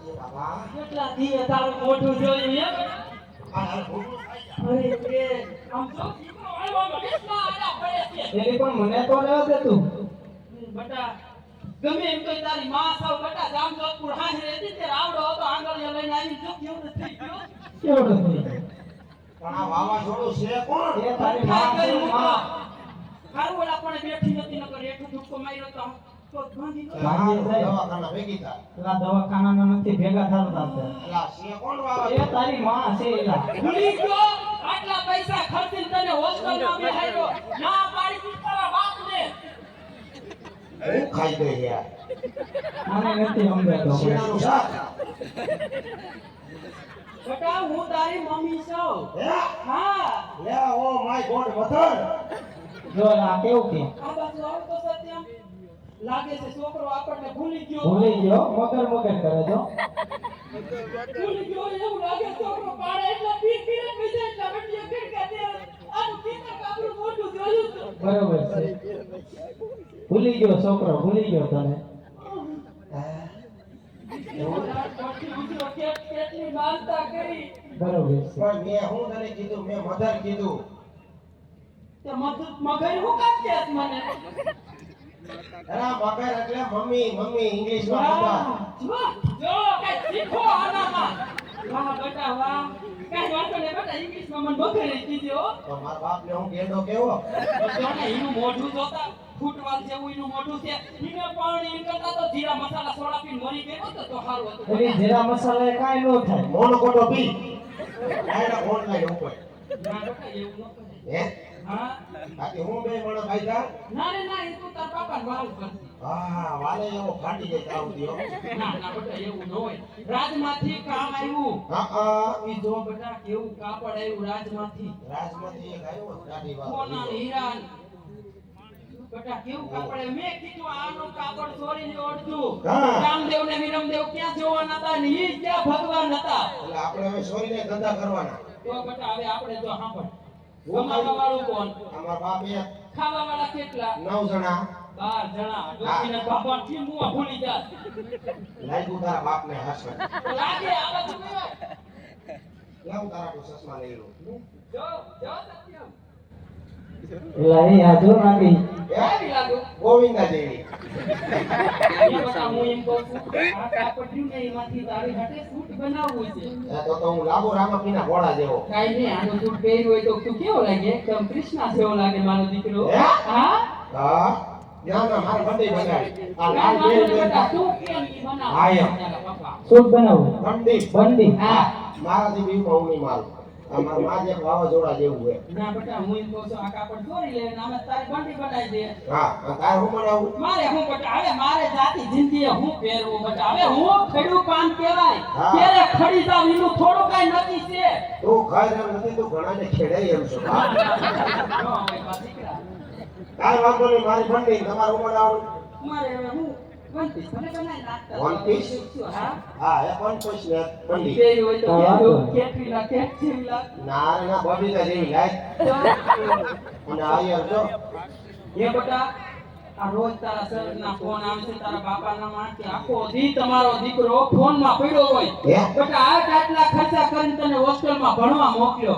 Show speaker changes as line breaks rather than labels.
બાબા
કેટલા દી તારું મોઢું જોયું એમ
આ ભૂલું થાય
અરે કે આમ તો દીકરો આવ્યો મગજમાં આડા પડે છે
એની પણ મને તો રહેવા દે તું.
બટા ગમે એમ તો તારી માં સાવ બટા જામજોધપુર હાજર હતી તે રાવડો હતો આંગળીઓ લઈને આવી જો કેવું થઈ ગયો
કેવડો થઈ ગયો?
પણ આ વાવાઝોડું છે કોણ
એ તારી માં છે માં.
હારું ઓલા પણ બેઠી નથી નકર એટલું ધક્કો માર્યો તો ભાંગી ગયો
ભાંગી જાય.
દવાખાના ભેગી થાય
પેલા દવાખાનાના નથી ભેગા થતા આપણે.
એલા છે કોણ
એ
વાવાઝોડું
તારી માં છે એલા.
ભૂલી ગયો આટલા પૈસા ખર્ચીને તને હોસ્ટેલમાં બેહાડ્યો ના પાડી દી તારા બાપને
હું ખાઈ ગઈ યાર
મને નથી સમજાતો.
શેણાનું શાક
બટા હું તારી મમ્મી છું
હે
હા
લે ઓ માય ગોડ મધર
જો આ કેવું કે
આ બાજુ આવો તો સત્યમ લાગે છે છોકરો આપણને ભૂલી ગયો
ભૂલી ગયો મગર મગર કરે તો.
ભૂલી ગયો એવું લાગે છોકરો પાડે એટલે પી પીને બીજે એટલે વટીએ ફિરકા દે આનું કીધા કાબરું મોટું જોયું તો
બરોબર છે. ભૂલી ગયો છોકરો ભૂલી ગયો તને.
કેટલી માનતા કરી
બરોબર છે.
પણ મેં હું તને કીધું મેં મધર કીધું
તે મગર હું કામ કેસ મને
એના મગર એટલે મમ્મી મમ્મી ઇંગ્લિશમાં મધર
જો જો કઈ શીખો આનામાં વાહ બેટા વાહ કઈ વાંધો નહીં બેટા ઇંગ્લિશમાં મને મગર કીધો
તો મારા બાપને હું ગેંડો કેવો
જો ને એનું મોઢું જોતા ફૂટવાલ જેવું એનું મોઢું છે એને પાણી એમ કરતા તો જીરા મસાલા સોડા પીને મરી ગયો તો સારું હતું
એની જીરા મસાલા એ કાંઈ ન થાય.
Monocrotophos direct online ઉપર
ના બેટા એવું ન કરે
હે
હા
બાકી હું બે મણો ભાઈતા
ના રે ના એ તું તાર પાપાને વાવ કરતી
હા વાલે એવો ફાટી જાય તાવ દિયો
ના ના બેટા એવું ન હોય રાજમાંથી કામ આવ્યું
હા
ઈ જો બેટા કેવું કાપડ આવ્યું રાજમાંથી
રાજમાંથી એક આવ્યો ગાડી વાળો
સોના ને હીરા ને. બેટા કેવું કાપડ આવ્યું મેં કીધું આનું કાપડ ચોરીને ઓળખ્યું
હા.
રામદેવ ને વિરમદેવ ક્યાં જોવાના હતા ને ઈ ક્યાં ભગવાન હતા
એટલે આપણે હવે સોરીને ધંધા કરવાના
તો બેટા હવે આપણે જો સાંભળ કમાવા વાળું કોણ
અમારા બાપ એક
ખાવા વાળા કેટલા
9 જણા
12 જણા ડોસીને બાપા થી મુવા ભૂલી જા
લાગ્યું તારા બાપને હસન
તો લાગે આ બધું કયો
લાવ તારા કો ચશ્મા લઈ લો
જો જો સત્યમ
એલા એ હાજો નાખી.
કેવી લાગુ
ગોવિંદા દેવી
એ બતા હું એમ કહું છું આ કાપડ્યું ને એમાંથી તારી હાટે સૂટ બનાવવું છે
તો હું લાગુ રામાપીના ઘોડા જેવો
કાઈ નહીં આનો સૂટ પહેર્યું હોય તો તું કેવો લાગે એકદમ કૃષ્ણા જેવો લાગે મારો દીકરો
હે?
હા
હા ના ના મારે બંડી બનાવી આ લાલ
કાઈ વાંધો નહીં
બેલ
બેટા, તું કેમ ઈ બનાવ
હા, એમ.
તારા પપ્પા
સૂટ બનાવું.
બંડી
બંડી.
હા
મારાથી બી હું નહીં મારું અમાર માં એક વાવાઝોડા જેવું છે
ના બેટા હું એમ કહું છું આ કાપડ ચોરી લે ને આમાં તારી બંડી બનાવી દે
હા અને તારે હું બનાવું
મારે હું બેટા હવે મારે જાતિ જિંદગી હું પહેરવું બેટા હવે હું ખેડૂ કામ કહેવાય
હા.
ક્યારે ખડી જાવ એનું થોડું કાઈ નથી છે
તું ખાઈ એમ નથી તું ઘણાને ખેડાઈ એમ છો હા.
ન હોય બા દીકરા
કાંઈ વાંધો નહીં મારી બંડી તમારું બનાવું
મારે હવે હું વન પીસ મને બનાવી નાખતા
One piece?
હા
હા એ પણ પૂછ ને બંડી
પહેર્યું હોય તો
હા, વાંધો નહીં.
કેટલી લાખ કેટલી લાખ
ના રે ના બબીતા જેવી લાઈટ અને આયર જો
એ બેટા આ રોજ તારા સરના ફોન આવે છે તારા બાપાના માં કે આખો દી તમારો દીકરો ફોન માં પડ્યો હોય
હે?
બેટા આટલા ખર્ચા કરીને તને હોસ્ટેલમાં ભણવા મોકલ્યો